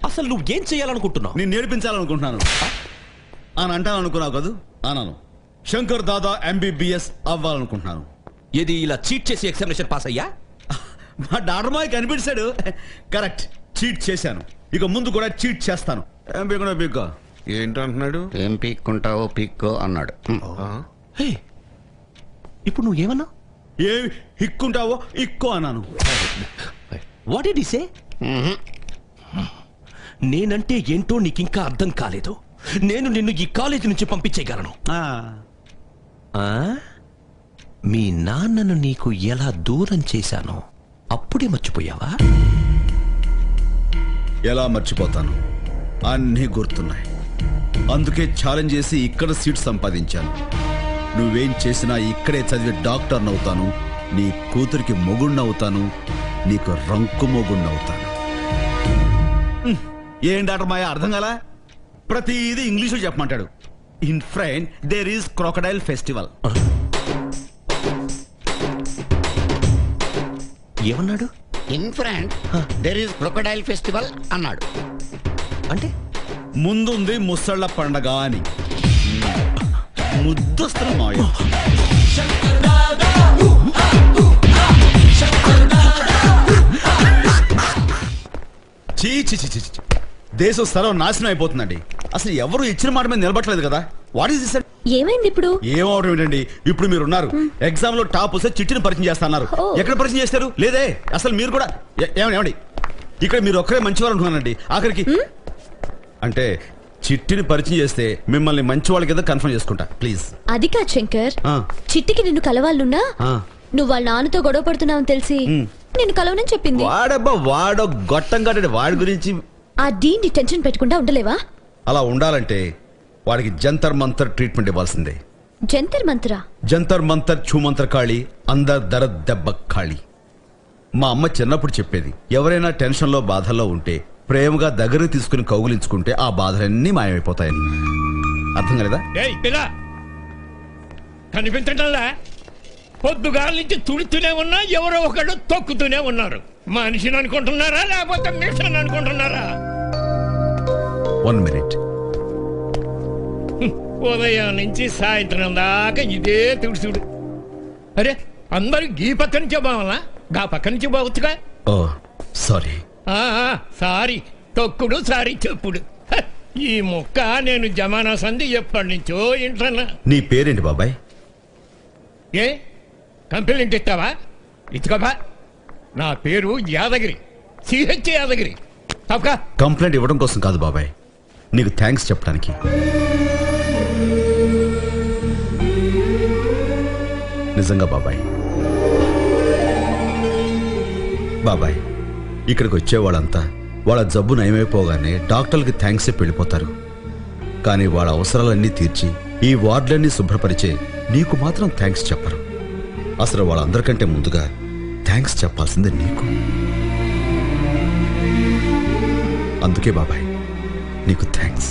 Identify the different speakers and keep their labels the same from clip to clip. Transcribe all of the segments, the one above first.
Speaker 1: అసలు నువ్వు ఏం చేయాలనుకుంటున్నావు?
Speaker 2: నేను నేర్పించాలనుకుంటున్నాను అని అంటాననుకున్నావు కదూ? అన్నాను. శంకర్ దాదా MBBS అవ్వాలనుకుంటున్నాను.
Speaker 1: ఏది ఇలా చీట్ చేసి ఎగ్జామినేషన్ పాస్ అయ్యా?
Speaker 2: మా డాక్టర్ మాయ కనిపించాడు. కరెక్ట్, చీట్ చేశాను. ఇక ముందు కూడా చీట్ చేస్తాను. ఏం పీకున్నా పీక్కో.
Speaker 3: ఏంటంటున్నాడు?
Speaker 4: ఏం పీక్కుంటావో పీక్కో అన్నాడు.
Speaker 1: హే, ఇప్పుడు నువ్వేమన్నా?
Speaker 2: ఏం హిక్కుంటావో ఇక్కో అన్నాను.
Speaker 1: What did he say? నేనంటే ఏంటో నీకింకా అర్థం కాలేదు. నేను నిన్ను ఈ కాలేజీ నుంచి పంపించేయగలను. మీ నాన్నను నీకు ఎలా దూరం చేశానో అప్పుడే మర్చిపోయావా?
Speaker 2: ఎలా మర్చిపోతాను? అన్నీ గుర్తున్నాయి. అందుకే ఛాలెంజ్ చేసి ఇక్కడ సీట్ సంపాదించాను. నువ్వేం చేసినా ఇక్కడే చదివి డాక్టర్ని అవుతాను. నీ కూతురికి మొగుణ్ణవుతాను. నీకు రంకు మొగుణ్ణవుతాను. ఏం డాక్టర్ మాయ అర్థం కాలా? ప్రతిదీ ఇంగ్లీషులో చెప్పమంటాడు. In France there is crocodile festival.
Speaker 1: ఏమన్నాడు?
Speaker 4: In France there is crocodile festival అన్నాడు.
Speaker 1: అంటే
Speaker 2: ముందుంది ముసళ్ళ పండగ అని. ముద్దొస్తున్న మాయ. చీ చీ చీ చీ. దేశం స్థలం నాశనం అయిపోతుందండి. అసలు ఎవరు ఇచ్చిన మాట మీద నిలబట్టలేదు కదా. What is this?
Speaker 5: ఏమైంది ఇప్పుడు?
Speaker 2: ఏమవడం ఏంటండి? ఇప్పుడు మీరు ఉన్నారు, ఎగ్జామ్ లో టాప్ వస్తే చిట్టిని పరిచయం చేస్తున్నారు. ఎక్కడ పరిచయం చేస్తారు? లేదే. అసలు మీరు కూడా ఏమండి ఇక్కడ మీరు ఒక్కరే మంచివారు అనుకున్నానండి. ఆఖరికి అంటే చిట్టిని పరిచయం చేస్తే మిమ్మల్ని మంచి వాళ్ళ కింద కన్ఫర్మ్ చేసుకుంటా ప్లీజ్.
Speaker 5: అది కాదు శంకర్, చిట్టికి నిన్ను కలవాలనున్నా నువ్వు వాళ్ళ నాన్నతో గొడవ పడుతున్నావని తెలిసి నిన్ను కలవనని చెప్పింది.
Speaker 2: వాడబ్బా వాడో గొట్టం కట్టండి. వాడి గురించి
Speaker 5: ఆ డీన్ని టెన్షన్ పెట్టకుండా ఉండలేవా?
Speaker 2: అలా ఉండాలంటే వాడికి జంతర్ మంతర్ ట్రీట్మెంట్ ఇవ్వాల్సిందే.
Speaker 5: జంతర్ మంతరా?
Speaker 2: జంతర్ మంతర్ ఛూమంతర్ ఖాళీ అందర్ దర దెబ్బ ఖాళీ. మా అమ్మ చిన్నప్పుడు చెప్పేది, ఎవరైనా టెన్షన్లో బాధల్లో ఉంటే ప్రేమగా దగ్గర తీసుకుని కౌగులించుకుంటే ఆ బాధలన్నీ మాయమైపోతాయని. అర్థం కలదా?
Speaker 6: కనిపించటంలా? పొద్దుగాల నుంచి తుడుతూనే ఉన్నా ఎవరో ఒకడు తొక్కుతూనే ఉన్నారు. మనిషిని అనుకుంటున్నారా లేకపోతే మిషన్ అనుకుంటున్నారా?
Speaker 2: 1 minute.
Speaker 6: ఉదయం నుంచి సాయంత్రం దాకా ఇదే తుడుచుడు. అరే అందరూ ఈ పక్క నుంచే బావాలా, గా పక్క నుంచి బావచ్చుగా.
Speaker 2: Oh sorry.
Speaker 6: సారీ తొక్కుడు సారీ చెప్పుడు. ఈ ముక్క నేను జమానా సంధి ఎప్పటి నుంచో ఇంటన్నా.
Speaker 2: నీ పేరేంటి బాబాయ్?
Speaker 6: ఏ కంప్లైంట్ ఇస్తావా? ఇచ్చుకోబా. నా పేరు యాదగిరి, సిహెచ్ యాదగిరి. తప్పక
Speaker 2: కంప్లైంట్ ఇవ్వడం కోసం కాదు బాబాయ్, నీకు థ్యాంక్స్ చెప్పడానికి. నిజంగా బాబాయ్. బాబాయ్ ఇక్కడికి వచ్చే వాళ్ళంతా వాళ్ళ జబ్బు నయమైపోగానే డాక్టర్లకి థ్యాంక్స్ చెప్పి వెళ్ళిపోతారు. కానీ వాళ్ళ అవసరాలన్నీ తీర్చి ఈ వార్డులన్నీ శుభ్రపరిచే నీకు మాత్రం థ్యాంక్స్ చెప్పరు. అసలు వాళ్ళందరికంటే ముందుగా థ్యాంక్స్ చెప్పాల్సిందే నీకు. అందుకే బాబాయ్ నీకు థ్యాంక్స్.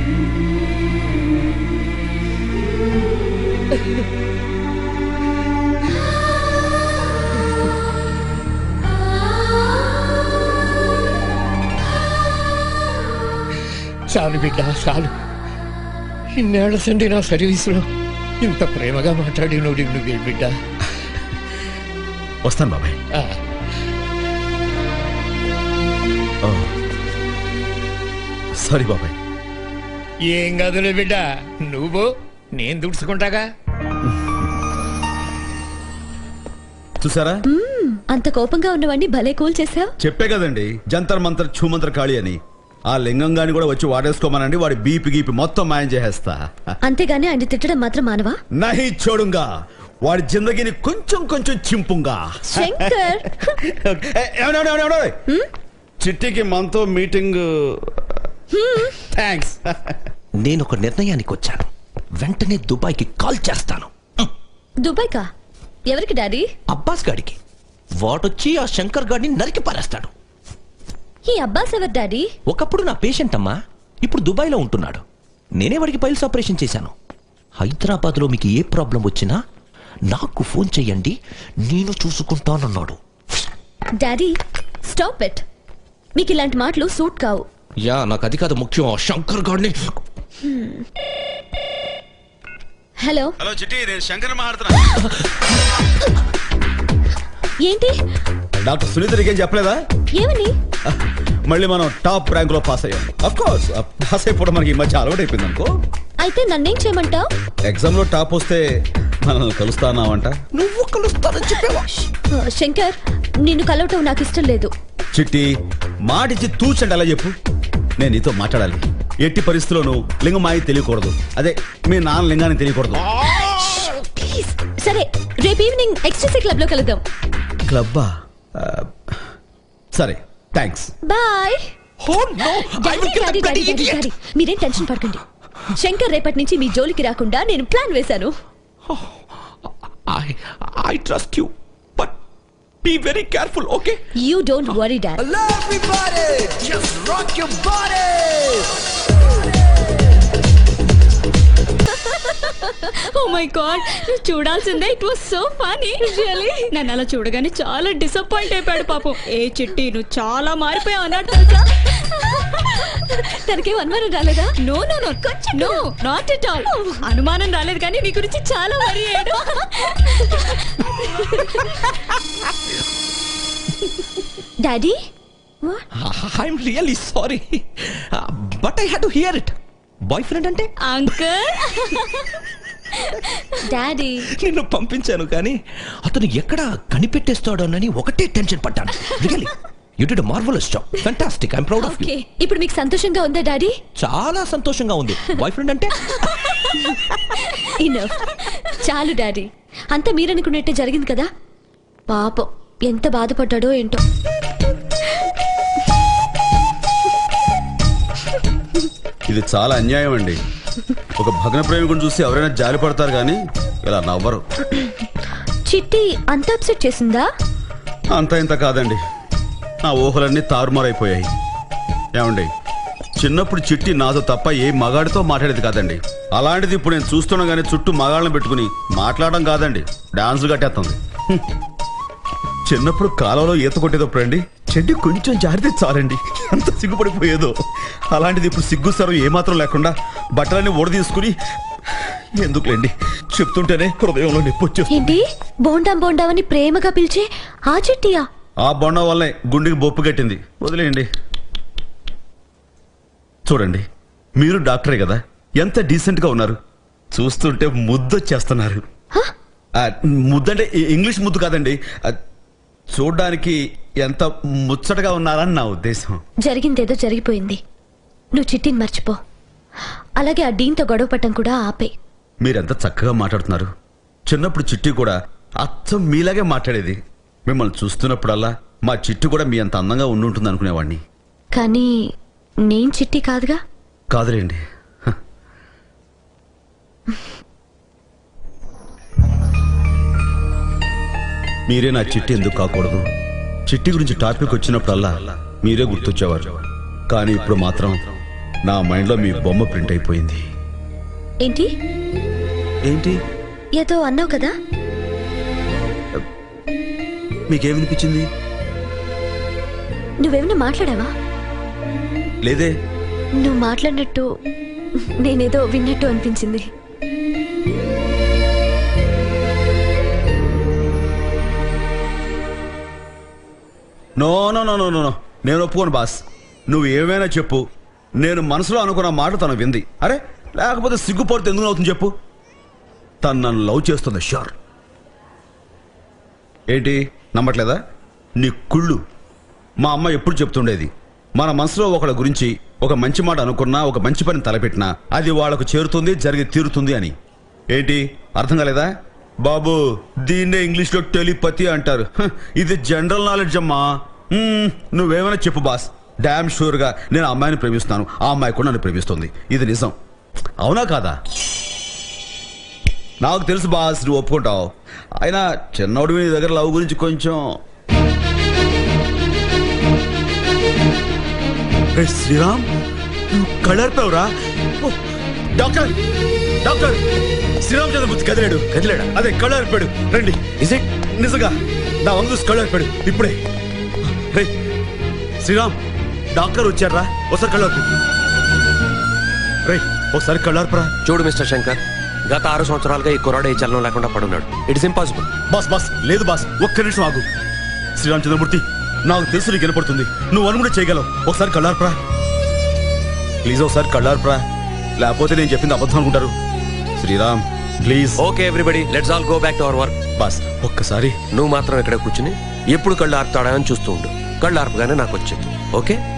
Speaker 6: చాలు బిడ్డ చాలు. ఇన్నేళ్ల సండి నా సర్వీసులో ఇంత ప్రేమగా మాట్లాడి నువ్వు బిడ్డ.
Speaker 2: వస్తాను బాబాయ్. సారీ బాబాయ్.
Speaker 6: ఏం కాదులే బిడ్డ, నువ్వు నేను దుడుచుకుంటాగా.
Speaker 2: చూసారా
Speaker 5: అంత కోపంగా ఉన్నవాడిని భలే కూల్ చేసావు.
Speaker 2: చెప్పే కదండి జంతర్ మంతర్ ఛూమంతర్ ఖాళీ అని. ఆ లింగంగాని కూడా వచ్చి వాడేసుకోమనండి, వాడి బీపీ గీపీ మొత్తం మాయం చేసేస్తా.
Speaker 5: అంతేగాని ఆయన తిట్టడం మాత్రం మానవా?
Speaker 2: నహి చూడుగా, వాడి జిందగీని కొంచెం కొంచెం చింపుంగా.
Speaker 5: శంకర్
Speaker 2: చిట్టికి మనతో మీటింగ్. థ్యాంక్స్.
Speaker 1: నేను ఒక నిర్ణయానికి వచ్చాను. వెంటనే దుబాయ్కి కాల్ చేస్తాను.
Speaker 5: దుబాయ్ కా? ఎవరికి డాడీ?
Speaker 1: అబ్బాస్ గాడికి. వాడొచ్చి ఆ శంకర్ గాడిని నరికి పారేస్తాడు.
Speaker 5: ఈ అబ్బాస్ ఎవరు డాడీ?
Speaker 1: ఒకప్పుడు నా పేషెంట్ అమ్మా, ఇప్పుడు దుబాయ్లో ఉంటున్నాడు. నేనే వాడికి పైల్స్ ఆపరేషన్ చేశాను. హైదరాబాద్లో మీకు ఏ ప్రాబ్లం వచ్చినా నాకు ఫోన్ చెయ్యండి, నేను చూసుకుంటానన్నాడు.
Speaker 5: Daddy stop it. మీకు ఇలాంటి మాటలు సూట్ కావు.
Speaker 1: యా నాకు అది కాదు ముఖ్యం, శంకర్ గాడిని.
Speaker 5: హలో
Speaker 2: హలో చిట్టి, నేను శంకర్ మాట్లాడుతున్నా.
Speaker 5: ఏంటి?
Speaker 2: డాక్టర్ సునీత నీకేం చెప్పలేదా?
Speaker 5: ఏమని?
Speaker 2: మళ్ళీ మనం టాప్ ర్యాంక్ లో పాస్ అయ్యాం. అఫ్ కోర్స్ పాస్ అయిపోవడం మనకి ఈ మధ్య అలవాటు అయిపోయింది అనుకో.
Speaker 5: అయితే నన్నేం చేయమంటావు?
Speaker 2: ఎగ్జామ్ లో టాప్ వస్తే మనల్ని కలుస్తానావంట.
Speaker 1: నువ్వు కలుస్తానని చెప్పేవా?
Speaker 5: శంకర్, నిన్ను కలవటం నాకు ఇష్టం లేదు.
Speaker 2: చిట్టి మాటిచ్చి తూచండి అలా చెప్పు. నేను నీతో మాట్లాడాలి. ఎట్టి పరిస్థితుల్లోనూ లింగమాయి తెలియకూడదు. అదే మీ నాన్న లింగాన్ని తెలియకూడదు.
Speaker 5: ప్లీజ్. సరే, రేపు ఈవినింగ్ ఎక్స్ట్రీసీ క్లబ్ లో కలుద్దాం.
Speaker 2: క్లబ్బా? సరే, thanks.
Speaker 5: Bye.
Speaker 1: Oh no! I will kill that bloody idiot!
Speaker 5: మీరేం టెన్షన్ పడకండి. శంకర్ రేపటి నుంచి మీ జోలికి రాకుండా నేను ప్లాన్ వేశాను.
Speaker 1: I trust you, but be very careful, okay?
Speaker 5: You don't worry, Dad.
Speaker 3: Hello everybody! Just rock your body!
Speaker 7: Oh my god, నువ్వు చూడాల్సిందే. It was so funny. Really నన్ను అలా చూడగానే చాలా డిసప్పాయింట్ అయిపోయాడు పాపం. ఏ చిట్టి, నువ్వు చాలా మారిపోయావు అన్నాడు తెలుసా.
Speaker 5: తనకేం అనుమానం రాలేదా?
Speaker 7: No no no, no not at all. అనుమానం రాలేదు కానీ నీ గురించి చాలా వరి అయ్యాడు.
Speaker 5: Daddy,
Speaker 1: I'm really sorry, but I had to hear it. Boyfriend అంటే
Speaker 7: అంకుల్.
Speaker 5: డాడీ,
Speaker 1: నిన్ను పంపించాను కానీ అతను ఎక్కడ కనిపెట్టేస్తాడోనని ఒకటే టెన్షన్ పడ్డాను. Really you did a marvellous job. Fantastic. I am proud of you.
Speaker 5: Okay, ఇప్పుడు మీకు సంతోషంగా ఉందా డాడీ?
Speaker 1: చాలా సంతోషంగా ఉంది. బాయ్ఫ్రెండ్ అంటే
Speaker 5: ఇనఫ్. చాలు డాడీ, అంతా మీరనుకున్నట్టే జరిగింది కదా. పాపం ఎంత బాధపడ్డాడో ఏంటో.
Speaker 2: ఇది చాలా అన్యాయం అండి. ఒక భగ్న ప్రేమికుని చూసి ఎవరైనా జాలి పడతారు కానీ ఇలా నవ్వరు.
Speaker 5: చిట్టి అంత అప్సెట్ చేసిందా?
Speaker 2: అంత ఇంత కాదండి, నా ఊహలన్నీ తారుమారైపోయాయి. ఏమండి, చిన్నప్పుడు చిట్టి నాతో తప్ప ఏ మగాడితో మాట్లాడేది కాదండి. అలాంటిది ఇప్పుడు నేను చూస్తున్నా కానీ చుట్టూ మగాళ్ళని పెట్టుకుని మాట్లాడడం కాదండి, డాన్సులు కట్టేస్తుంది. చిన్నప్పుడు కాలంలో ఈత కొట్టేటప్పుడు అండి చెడ్డి కొంచెం జారితే చాలండి ఎంత సిగ్గుపడిపోయేదో. అలాంటిది ఇప్పుడు సిగ్గు సరం ఏమాత్రం లేకుండా బట్టలన్నీ ఓడ తీసుకుని, ఎందుకులేండి చెప్తుంటేనే హృదయంలో నొప్పి వచ్చేస్తుంది.
Speaker 5: ఏంటి బోండాం బోండామని ప్రేమగా పిలిచే ఆ చిట్టియా?
Speaker 2: ఆ బొండం వల్లే గుండెకి బొప్పు కట్టింది. వదిలేయండి. చూడండి, మీరు డాక్టరే కదా, ఎంత డీసెంట్ గా ఉన్నారు. చూస్తుంటే ముద్దొచ్చేస్తున్నారు. ముద్దంటే ఇంగ్లీష్ ముద్దు కాదండి, చూడ్డానికి ఎంత ముచ్చటగా ఉన్నారని నా ఉద్దేశం.
Speaker 5: జరిగిందేదో జరిగిపోయింది. నువ్వు చిట్టిని మర్చిపో. అలాగే ఆ డీన్తో గొడవ పట్టం కూడా ఆపే.
Speaker 2: మీరెంత చక్కగా మాట్లాడుతున్నారు. చిన్నప్పుడు చిట్టి కూడా అచ్చం మీలాగే మాట్లాడేది. మిమ్మల్ని చూస్తున్నప్పుడల్లా మా చిట్టి కూడా మీ అంత అందంగా ఉండుంటుంది అనుకునేవాడిని.
Speaker 5: కానీ నేను చిట్టి కాదుగా.
Speaker 2: కాదులేండి. మీరే నా చిట్టి ఎందుకు కాకూడదు? చిట్టి గురించి టాపిక్ వచ్చినప్పుడల్లా మీరే గుర్తొచ్చేవారు. కానీ ఇప్పుడు మాత్రం నా మైండ్లో మీ బొమ్మ ప్రింట్ అయిపోయింది.
Speaker 5: ఏంటి
Speaker 2: ఏంటి
Speaker 5: ఏదో అన్నావు కదా?
Speaker 2: మీకేమనిపించింది?
Speaker 5: నువ్వేమైనా మాట్లాడావా?
Speaker 2: లేదే.
Speaker 5: నువ్వు మాట్లాడినట్టు నేనేదో విన్నట్టు అనిపించింది.
Speaker 2: No no no no no, నేను ఒప్పుకోను బాస్. నువ్వు ఏమైనా చెప్పు, నేను మనసులో అనుకున్న మాట తను వింది. అరే లేకపోతే సిగ్గుపడితే ఎందుకు అవుతుంది చెప్పు? తను నన్ను లవ్ చేస్తుంది షూర్. ఏంటి నమ్మట్లేదా? నీ కుళ్ళు. మా అమ్మ ఎప్పుడు చెప్తుండేది, మన మనసులో ఒకళ్ళ గురించి ఒక మంచి మాట అనుకున్నా, ఒక మంచి పని తలపెట్టినా అది వాళ్ళకు చేరుతుంది, జరిగి తీరుతుంది అని. ఏంటి అర్థం కాలేదా? బాబు, దీన్నే ఇంగ్లీష్లో టెలిపతి అంటారు. ఇది జనరల్ నాలెడ్జ్ అమ్మా. నువ్వేమైనా చెప్పు బాస్, డామ్ షూర్గా నేను ఆ అమ్మాయిని ప్రేమిస్తున్నాను, ఆ అమ్మాయి కూడా నన్ను ప్రేమిస్తుంది. ఇది నిజం. అవునా కాదా? నాకు తెలుసు బాస్, నువ్వు ఒప్పుకుంటావు. అయినా చిన్నోడు నీ దగ్గర లవ్ గురించి కొంచెం. శ్రీరామ్, నువ్వు కళ్ళారిపోయావురా. డాక్టర్ డాక్టర్, శ్రీరామ్ చంద్ర బుద్ధి కదిలాడా? అదే కళ్ళారిపోయాడు. రండి. Is it? నిజంగా నా వందు కళ్ళారిపోయాడు ఇప్పుడే. రే శ్రీరామ్, డాక్టర్ వచ్చారా? ఒకసారి కళ్ళార్పు. రేయ్ ఒకసారి కళ్ళార్పరా.
Speaker 8: చూడు మిస్టర్ శంకర్, గత 6 సంవత్సరాలుగా ఈ కుర్రాడు ఏ చలనం లేకుండా పడున్నాడు. It's impossible.
Speaker 2: బాస్ లేదు బాస్, ఒక్క నిమిషం ఆగు. శ్రీరామచంద్రమూర్తి, నాకు తెలుసు నీకు వినపడుతుంది, నువ్వు అనుకుంటే చేయగలవు. ఒకసారి కళ్ళార్పరా ప్లీజ్, ఒకసారి కళ్ళార్పరా, లేకపోతే నేను చెప్పింది అబద్ధం అనుకుంటారు. Sriram please.
Speaker 8: Okay everybody, let's all go back to our work.
Speaker 2: Boss ఒక్కసారి.
Speaker 8: నువ్వు మాత్రం ఇక్కడ కూర్చుని ఎప్పుడు కళ్ళు ఆర్పుతాడా అని చూస్తూ ఉండు. కళ్ళు ఆర్పగానే నాకు వచ్చేది. ఓకే?